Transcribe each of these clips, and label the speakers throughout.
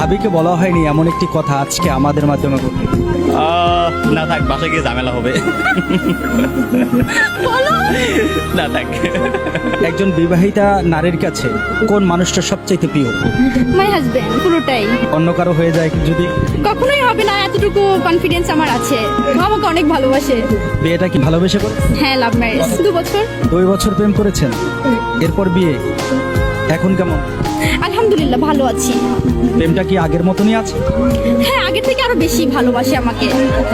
Speaker 1: ভাবিকে বলা হয়নি এমন একটি কথা আজকে আমাদের মাধ্যমে বলবে।
Speaker 2: না থাক, বাসায় গিয়ে ঝামেলা হবে। না থাক।
Speaker 1: একজন বিবাহিতা নারীর কাছে কোন মানুষটা সবচাইতে প্রিয়?
Speaker 3: মাই হাজবেন্ড, পুরোটাই।
Speaker 1: অন্য কারো হয়ে যায় যদি?
Speaker 3: কখনোই হবে না, এতটুকু কনফিডেন্স আমার আছে। ও আমাকে অনেক ভালোবাসে।
Speaker 1: বিয়েটা কি ভালোবেসে করে?
Speaker 3: হ্যাঁ, লাভ ম্যারেজ। 2 বছর।
Speaker 1: 2 বছর প্রেম করেছেন, এরপর বিয়ে। এখন কেমন?
Speaker 3: আলহামদুলিল্লাহ, ভালো আছি।
Speaker 1: প্রেমটা কি আগের মতনই আছে?
Speaker 3: হ্যাঁ, আগের থেকে আরো বেশি ভালোবাসে আমাকে।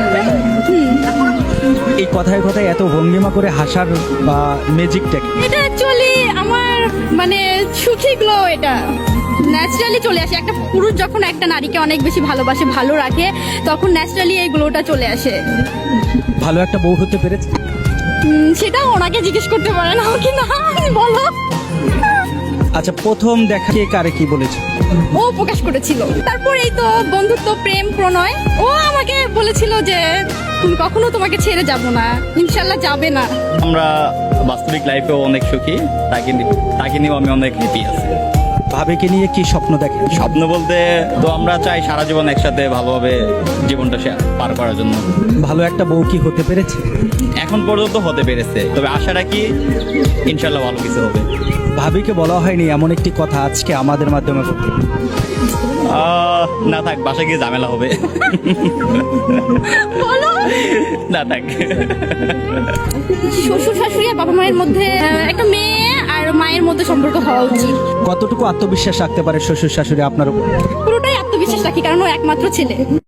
Speaker 1: এই কথায় কথায় এত ভঙ্গিমা করে হাসার বা ম্যাজিকটা কি?
Speaker 3: এটা অ্যাকচুয়ালি আমার মানে সুখী গ্লো। এটা ন্যাচারালি চলে আসে। একটা পুরুষ যখন একটা নারীকে অনেক বেশি ভালোবাসে, ভালো রাখে, তখন ন্যাচারালি এই গ্লোটা চলে আসে।
Speaker 1: ভালো একটা বউ হতে পেরেছে?
Speaker 3: সেটা ওনাকে জিজ্ঞেস করতে পারেন, আমাকে না। বলো।
Speaker 1: আচ্ছা, প্রথম দেখা কে কারে কি বলেছে?
Speaker 3: ও প্রকাশ করেছিল। তারপর এই তো বন্ধুত্ব, প্রেম, প্রণয়। ও আমাকে বলেছিল যে তুমি কখনো তোমাকে ছেড়ে যাব না, ইনশাল্লাহ যাবে না।
Speaker 2: আমরা বাস্তবিক লাইফেও অনেক সুখী, তাকে নিয়েও আমি অনেক হ্যাপি আছি।
Speaker 1: ভাবিকে নিয়ে কি স্বপ্ন দেখেন?
Speaker 2: স্বপ্ন বলতে তো আমরা চাই সারা জীবন একসাথে ভালোভাবে জীবনটা পার করার জন্য।
Speaker 1: ভালো একটা বউ কি হতে পেরেছে?
Speaker 2: এখন পর্যন্ত হতে পেরেছে, তবে আশা রাখি ইনশাল্লাহ ভালো কিছু হবে।
Speaker 1: ভাবিকে বলা হয়নি এমন একটি কথা আজকে আমাদের মাধ্যমে বলবে।
Speaker 2: না থাক, বাসায় গিয়ে ঝামেলা হবে।
Speaker 3: বলো।
Speaker 2: না থাক।
Speaker 3: শ্বশুর শাশুড়ি আর বাবা মায়ের মধ্যে একটা মেয়ে আর মায়ের মধ্যে সম্পর্ক হওয়া উচিত।
Speaker 1: কতটুকু আত্মবিশ্বাস রাখতে পারে শ্বশুর শাশুড়ি আপনার উপর?
Speaker 3: পুরোটাই আত্মবিশ্বাস রাখি, কারণ ও একমাত্র ছেলে।